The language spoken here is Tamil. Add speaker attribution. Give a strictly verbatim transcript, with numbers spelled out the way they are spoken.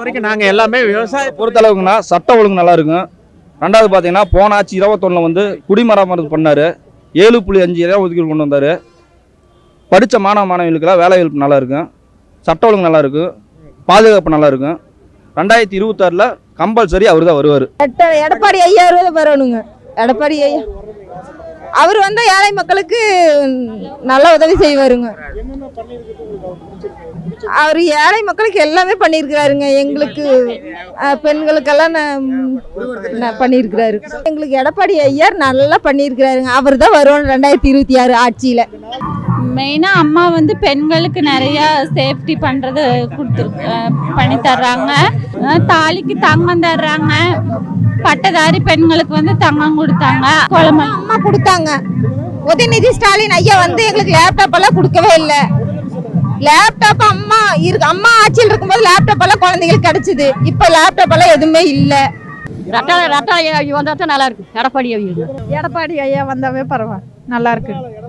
Speaker 1: வரைக்கும் நாங்கள் எல்லாமே விவசாய
Speaker 2: பொறுத்தளவுக்குன்னா சட்ட ஒழுங்கு நல்லா இருக்கும். ரெண்டாவது பார்த்தீங்கன்னா போன ஆட்சி இருபத்தொன்னில் வந்து குடிமராமத்து பண்ணார். ஏழு புள்ளி அஞ்சு இடம் ஒதுக்கீடு கொண்டு வந்தார். படித்த மாணவ மாணவிகளுக்கெல்லாம் வேலை வாய்ப்பு நல்லா இருக்கும். சட்ட ஒழுங்கு நல்லா இருக்கும். பாதுகாப்பு நல்லா இருக்கும். ரெண்டாயிரத்தி இருபத்தாறில் கம்பல்சரி அவர் தான் வருவார்.
Speaker 3: எடப்பாடி ஐயா வரணுங்க. எடப்பாடி ஐயா அவர் வந்து ஏழை மக்களுக்கு நல்ல உதவி செய்வாருங்க. அவர் ஏழை மக்களுக்கு எல்லாமே பண்ணியிருக்கிறாருங்க. எங்களுக்கு பெண்களுக்கெல்லாம் பண்ணியிருக்கிறாரு. எங்களுக்கு எடப்பாடி ஐயா நல்லா பண்ணியிருக்கிறாருங்க. அவர் தான் வரும் ரெண்டாயிரத்தி இருபத்தி ஆறு ஆட்சியில்.
Speaker 4: மெயினாக அம்மா வந்து பெண்களுக்கு நிறைய சேஃப்டி பண்ணுறது கொடுத்து பண்ணி தர்றாங்க. தாலிக்கு தங்கம் தர்றாங்க. பட்டதாரி பெண்களுக்கு வந்து தங்கம் கொடுத்தாங்க. குழம்பு
Speaker 3: அம்மா கொடுத்தாங்க. உதயநிதி ஸ்டாலின் ஐயா வந்து எங்களுக்கு லேப்டாப் எல்லாம் கொடுக்கவே இல்லை. லேப்டாப் அம்மா இருக்கு அம்மா ஆட்சியில் இருக்கும்போது லேப்டாப் எல்லாம் குழந்தைங்களுக்கு கிடைச்சிது. இப்போ லேப்டாப் எல்லாம் எதுவுமே இல்லை.
Speaker 5: ரட்டா ரட்டா ஐயா வந்தா தான் நல்லா இருக்கு. எடப்பாடி ஐயா
Speaker 6: எடப்பாடி ஐயா வந்தாவே பரவாயில்ல, நல்லா இருக்கு.